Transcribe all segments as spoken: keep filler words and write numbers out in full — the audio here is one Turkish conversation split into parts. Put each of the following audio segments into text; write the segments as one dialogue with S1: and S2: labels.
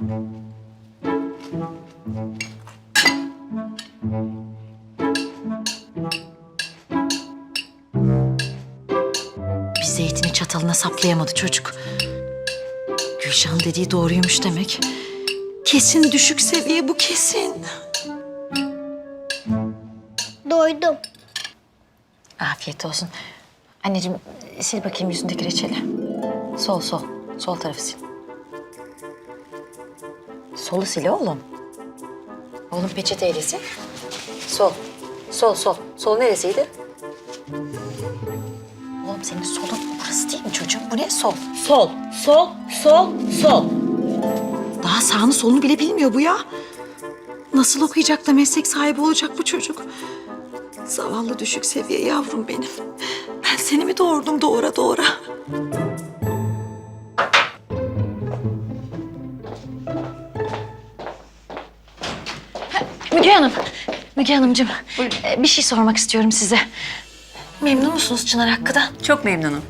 S1: Bir zeytini çatalına saplayamadı çocuk. Gülşah'ın dediği doğruymuş demek. Kesin düşük seviye bu, kesin.
S2: Doydum.
S1: Afiyet olsun. Anneciğim sil bakayım yüzündeki reçeli. Sol sol. Sol tarafı sil. Solu sil oğlum. Oğlum peçeteyle sil. Sol. Sol sol. Sol neresiydi? Oğlum senin solun burası değil mi çocuğum? Bu ne sol? Sol. Sol. Sol. Sol. Daha sağını solunu bile bilmiyor bu ya. Nasıl okuyacak da meslek sahibi olacak bu çocuk? Zavallı düşük seviye yavrum benim. Ben seni mi doğurdum doğura doğura? Müge Hanım, Müge Hanımcığım. e, Bir şey sormak istiyorum size. Memnun musunuz Çınar hakkında?
S3: Çok memnunum.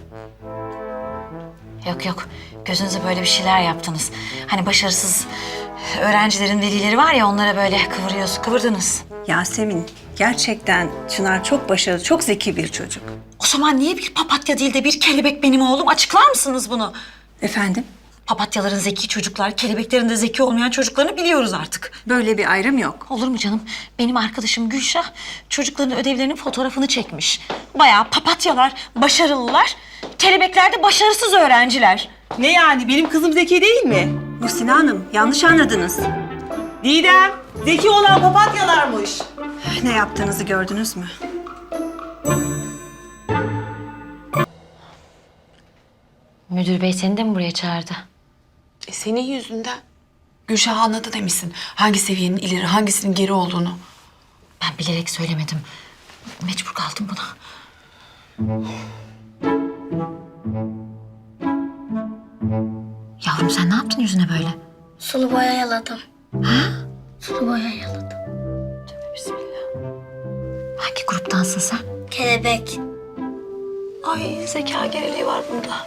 S1: Yok yok, gözünüze böyle bir şeyler yaptınız. Hani başarısız öğrencilerin velileri var ya, onlara böyle kıvırıyorsunuz, kıvırdınız.
S3: Yasemin, gerçekten Çınar çok başarılı, çok zeki bir çocuk.
S1: O zaman niye bir papatya değil de bir kelebek benim oğlum? Açıklar mısınız bunu?
S3: Efendim?
S1: Papatyaların zeki çocuklar, kelebeklerin de zeki olmayan çocuklarını biliyoruz artık.
S3: Böyle bir ayrım yok.
S1: Olur mu canım? Benim arkadaşım Gülşah çocukların ödevlerinin fotoğrafını çekmiş. Bayağı papatyalar, başarılılar. Kelebekler de başarısız öğrenciler.
S4: Ne yani? Benim kızım zeki değil mi?
S3: Muhsine Hanım, yanlış anladınız.
S4: Didem, zeki olan papatyalarmış.
S3: Ne yaptığınızı gördünüz mü?
S1: Müdür bey seni de mi buraya çağırdı?
S5: E senin yüzünden. Gülşah anladı demişsin. Hangi seviyenin ileri, hangisinin geri olduğunu.
S1: Ben bilerek söylemedim. Mecbur kaldım buna. Yavrum sen ne yaptın yüzüne böyle?
S2: Sulu boya yaladım.
S1: Ha?
S2: Sulu boya yaladım.
S1: Bismillah. Hangi gruptansın sen?
S2: Kelebek.
S1: Ay zeka geriliği var bunda.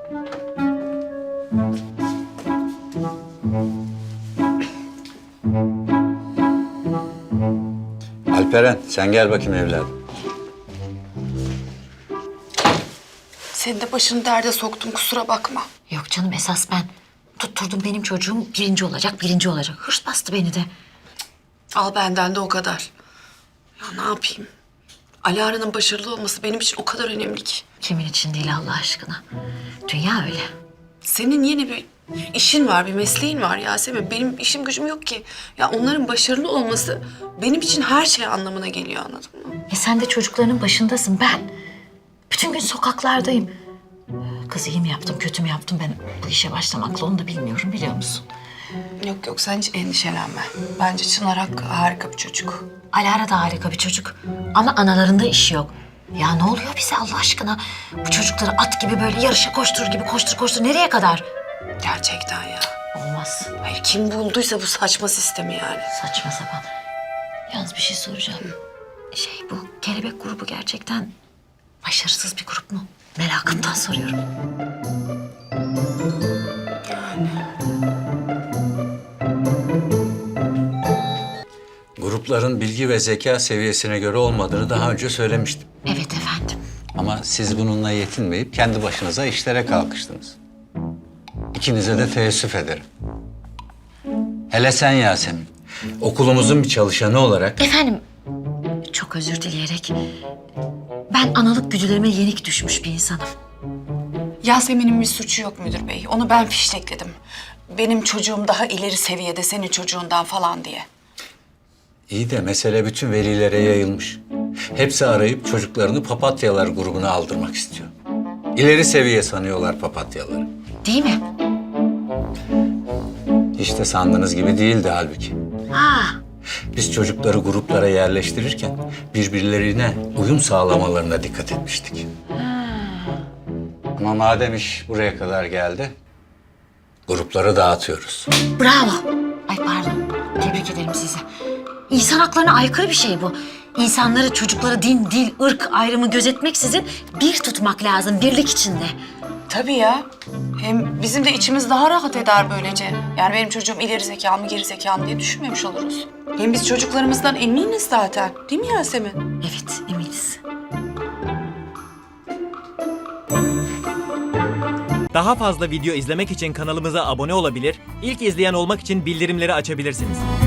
S6: Alperen, sen gel bakayım evladım.
S5: Seni de başını derde soktum, kusura bakma.
S1: Yok canım, esas ben. Tutturdum benim çocuğum birinci olacak, birinci olacak. Hırs bastı beni de.
S5: Al benden de o kadar. Ya ne yapayım? Alara'nın başarılı olması benim için o kadar önemli ki.
S1: Kimin için değil Allah aşkına. Dünya öyle.
S5: Senin yeni bir işin var, bir mesleğin var Yasemin. Benim işim gücüm yok ki. Ya onların başarılı olması benim için her şey anlamına geliyor, anladın mı?
S1: E sen de çocuklarının başındasın. Ben bütün gün sokaklardayım. Kız iyi mi yaptım, kötü mü yaptım, ben bu işe başlamakla onu da bilmiyorum, biliyor musun?
S5: Yok yok, sen hiç endişelenme. Bence Çınar Hakkı harika bir çocuk.
S1: Alara da harika bir çocuk. Ama analarında işi yok. Ya ne oluyor bize Allah aşkına? Bu çocukları at gibi böyle yarışa koşturur gibi koştur koştur nereye kadar?
S5: Gerçekten ya.
S1: Olmaz.
S5: Hayır, kim bulduysa bu saçma sistemi yani.
S1: Saçma sapan. Yalnız bir şey soracağım. Şey, bu kelebek grubu gerçekten başarısız bir grup mu? Merakımdan soruyorum.
S6: Grupların bilgi ve zeka seviyesine göre olmadığını daha önce söylemiştim.
S1: Evet efendim.
S6: Ama siz bununla yetinmeyip kendi başınıza işlere kalkıştınız. İkinize de teessüf ederim. Hele sen Yasemin, okulumuzun bir çalışanı olarak...
S1: Efendim, çok özür dileyerek... Ben analık güdülerime yenik düşmüş bir insanım.
S5: Yasemin'in bir suçu yok müdür bey. Onu ben fiştekledim. Benim çocuğum daha ileri seviyede senin çocuğundan falan diye.
S6: İyi de mesele bütün velilere yayılmış. Hepsi arayıp çocuklarını papatyalar grubuna aldırmak istiyor. İleri seviye sanıyorlar papatyaları.
S1: Değil mi?
S6: Hiç de sandığınız gibi değildi halbuki.
S1: Ha,
S6: Biz çocukları gruplara yerleştirirken birbirlerine uyum sağlamalarına dikkat etmiştik. Ama madem iş buraya kadar geldi, grupları dağıtıyoruz.
S1: bravo. Ay pardon, tebrik ederim sizi. İnsan haklarına aykırı bir şey bu. İnsanları, çocukları din, dil, ırk ayrımı gözetmeksizin bir tutmak lazım, birlik içinde.
S5: Tabii ya. Hem bizim de içimiz daha rahat eder böylece. Yani benim çocuğum ileri zekalı mı geri zekalı mı diye düşünmemiş oluruz. Hem biz çocuklarımızdan eminiz zaten. Değil mi Yasemin?
S1: Evet, eminiz.
S7: Daha fazla video izlemek için kanalımıza abone olabilir, ilk izleyen olmak için bildirimleri açabilirsiniz.